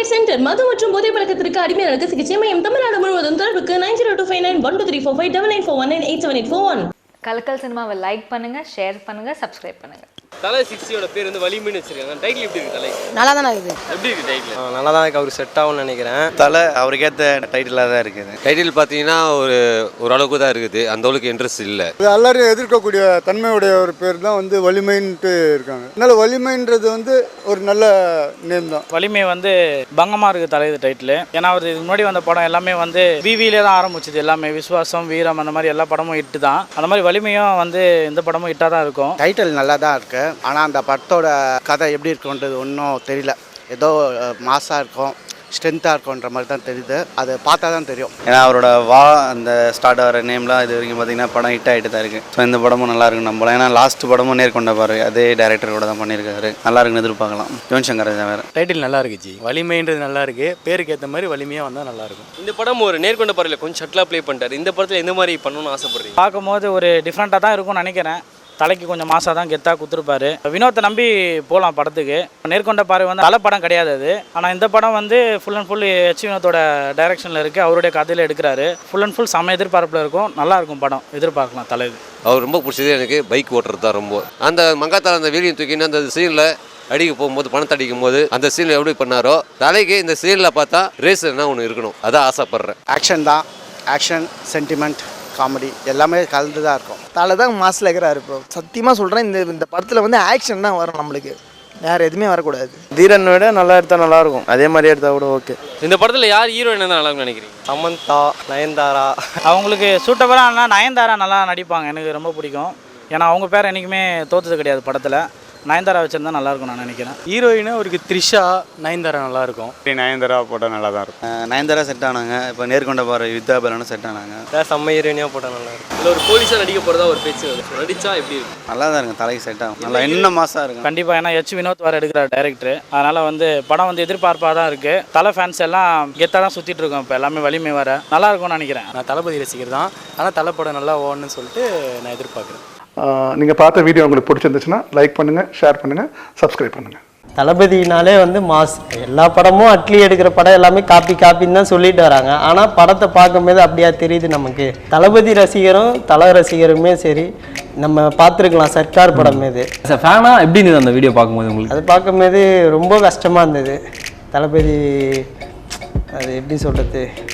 Care centre மது மற்றும் போதை பழக்கத்திற்கு அடிமையாளருக்கு சிகிச்சை மையம் தமிழ்நாடு முழுவதும் தொடர்புக்கு 9025913451 கலக்கல் சினிமாவை லைக் பண்ணுங்க, ஷேர் பண்ணுங்க, சப்ஸ்கிரைப் பண்ணுங்க. தலை 60யோட பேர் வந்து வலிமைன்னு வச்சிருக்காங்க. டைட்டில் எப்படி இருக்கு? தலை நல்லா தானே இருக்குது. எப்படி இருக்கு டைட்டில்? நல்லா தான் இருக்கு. அவர் செட் ஆகும்னு நினைக்கிறேன். தலை அவருக்கேற்ற டைட்டிலாக தான் இருக்குது. டைட்டில் பார்த்தீங்கன்னா ஓரளவுக்கு தான் இருக்குது, அந்த அளவுக்கு இன்ட்ரெஸ்ட் இல்லை. எல்லாரும் எதிர்க்கக்கூடிய தன்மையுடைய ஒரு பேர் தான் வந்து வலிமைன்ட்டு இருக்காங்க. அதனால வலிமைன்றது வந்து ஒரு நல்ல நேம் தான். வலிமை வந்து பங்கமாக இருக்குது தலை இது டைட்டில். ஏன்னா அவர் இதுக்கு முன்னாடி வந்த படம் எல்லாமே வந்து விவிலே தான் ஆரம்பிச்சது. எல்லாமே விஸ்வாசம், வீரம், அந்த மாதிரி எல்லா படமும் ஹிட்டு தான். அந்த மாதிரி வலிமையும் வந்து இந்த படமும் ஹிட்டாக தான் இருக்கும். டைட்டில் நல்லா தான் இருக்குது. ஆனால் அந்த படத்தோட கதை எப்படி இருக்குன்றது ஒன்றும் தெரியல. ஏதோ மாசாக இருக்கும், ஸ்ட்ரென்த்தாக இருக்குன்ற மாதிரி தான் தெரியுது. அது பார்த்தா தான் தெரியும். ஏன்னா அவரோட அந்த ஸ்டார்ட் ஆகிற நேம்லாம் இது வரைக்கும் பார்த்தீங்கன்னா படம் ஹிட் ஆகிட்டு தான் இருக்குது. ஸோ இந்த படமும் நல்லா இருக்குன்னு நம்பலாம். ஏன்னா லாஸ்ட் படமும் நேர்கொண்ட பாரு அதே டேரக்டரோட தான் பண்ணியிருக்காரு. நல்லா இருக்குன்னு எதிர்பார்க்கலாம். யுவன் சங்கர் ராஜா வேறு. டைட்டில் நல்லா இருக்குச்சு. வலிமைன்றது நல்லா இருக்கு. பேருக்கு ஏற்ற மாதிரி வலிமையாக வந்தால் நல்லா இருக்கும். இந்த படம் ஒரு நேர்கொண்ட பார்வையில் கொஞ்சம் ஷட்லாக ப்ளே பண்ணிட்டாரு. இந்த படத்தில் எந்த மாதிரி பண்ணணும்னு ஆசைப்படுறீங்க? பார்க்கும்போது ஒரு டிஃப்ரெண்ட்டாக தான் இருக்கும்னு நினைக்கிறேன். தலைக்கு கொஞ்சம் மாசாக தான் கெத்தாக கொடுத்துருப்பாரு. வினோத்தை நம்பி போகலாம் படத்துக்கு. நேர்கொண்ட பார்வை வந்து தலை படம் கிடையாது அது. ஆனால் இந்த படம் வந்து ஃபுல் அண்ட் ஃபுல் எச் வினோத்தோட டைரக்ஷனில் இருக்குது. அவருடைய கதையில் எடுக்கிறாரு. ஃபுல் அண்ட் ஃபுல் செம்ம எதிர்பார்ப்பில் இருக்கும். நல்லாயிருக்கும் படம், எதிர்பார்க்கலாம். தலை அவர் ரொம்ப பிடிச்சது எனக்கு பைக் ஓட்டுறது தான் ரொம்ப. அந்த மங்காத்தால் அந்த வீடியோ தூக்கின்னு அந்த சீனில் அடிக்க போகும்போது, பணத்தை அடிக்கும் போது அந்த சீனில் எப்படி பண்ணாரோ, தலைக்கு இந்த சீனில் பார்த்தா ரேஸ்னா ஒன்று இருக்கணும். அதான் ஆசைப்பட்றேன். ஆக்ஷன் தான். ஆக்ஷன், சென்டிமெண்ட், காமெடி எல்லாமே கலந்து தான் இருக்கும். தலை தான் மாசில் இருக்கிறாரு. இப்போ சத்தியமாக சொல்கிறேன், இந்த படத்தில் வந்து ஆக்ஷன் தான் வரும். நம்மளுக்கு வேறு எதுவுமே வரக்கூடாது. தீரன் விட நல்லா எடுத்தால் நல்லாயிருக்கும். அதே மாதிரி எடுத்தால் கூட ஓகே. இந்த படத்தில் யார் ஹீரோயின் தான் நல்லா இருக்கும்னு நினைக்கிறீங்க? சமந்தா, நயன்தாரா. அவங்களுக்கு சூட்டபுளாக நயன்தாரா நல்லா நடிப்பாங்க. எனக்கு ரொம்ப பிடிக்கும். ஏன்னா அவங்க பேர் என்றைக்குமே தோற்றது கிடையாது படத்தில். நயன்தாரா வச்சிருந்தா நல்லாயிருக்கும் நான் நினைக்கிறேன். ஹீரோயினா அவருக்கு த்ரிஷா, நயன்தாரா நல்லாயிருக்கும். நயன்தாரா போட்டால் நல்லா தான் இருக்கும். நயன்தாரா செட் ஆனாங்க. இப்போ நேர்கொண்ட பாரு வித்யாபலனும் செட் ஆனாங்க. செம்ம ஹீரோயினாக போட்டால் நல்லா இருக்கும். இல்லை ஒரு போலீஸாக நடிக்க போகிறதா ஒரு பேச்சு வருது. நடிச்சா எப்படி இருக்கும்? நல்லா தான் இருக்கும். தலைக்கு செட் ஆகும். நல்லா இன்னும் மாசாக இருக்கும். கண்டிப்பாக. ஏன்னா எச் வினோத் வர எடுக்கிறார் டைரக்டர். அதனால் வந்து படம் வந்து எதிர்பார்ப்பாக தான் இருக்குது. தலை ஃபேன்ஸ் எல்லாம் கெத்தாக தான் சுற்றிட்டு இருக்கோம். இப்போ எல்லாமே வலிமை வர நல்லா இருக்கும்னு நினைக்கிறேன். நான் தளபதி ரசிகர் தான். ஆனால் தலை படம் நல்லா ஓடணும்னு சொல்லிட்டு நான் எதிர்பார்க்குறேன். நீங்கள் பார்த்த வீடியோ உங்களுக்கு பிடிச்சிருந்துச்சுன்னா லைக் பண்ணுங்கள், ஷேர் பண்ணுங்கள், சப்ஸ்கிரைப் பண்ணுங்கள். தளபதினாலே வந்து மாஸ். எல்லா படமும் அட்லி எடுக்கிற படம் எல்லாமே காப்பின்னு தான் சொல்லிட்டு வராங்க. ஆனால் படத்தை பார்க்கும்போது அப்படியா தெரியுது நமக்கு. தளபதி ரசிகரும் தலை ரசிகருமே சரி நம்ம பார்த்துருக்கலாம். சர்க்கார் படம் இது ஃபேனா எப்படி இருந்தது அந்த வீடியோ பார்க்கும்போது உங்களுக்கு? அது பார்க்கும்போது ரொம்ப கஷ்டமாக இருந்தது. தளபதி அது எப்படி சொல்கிறது,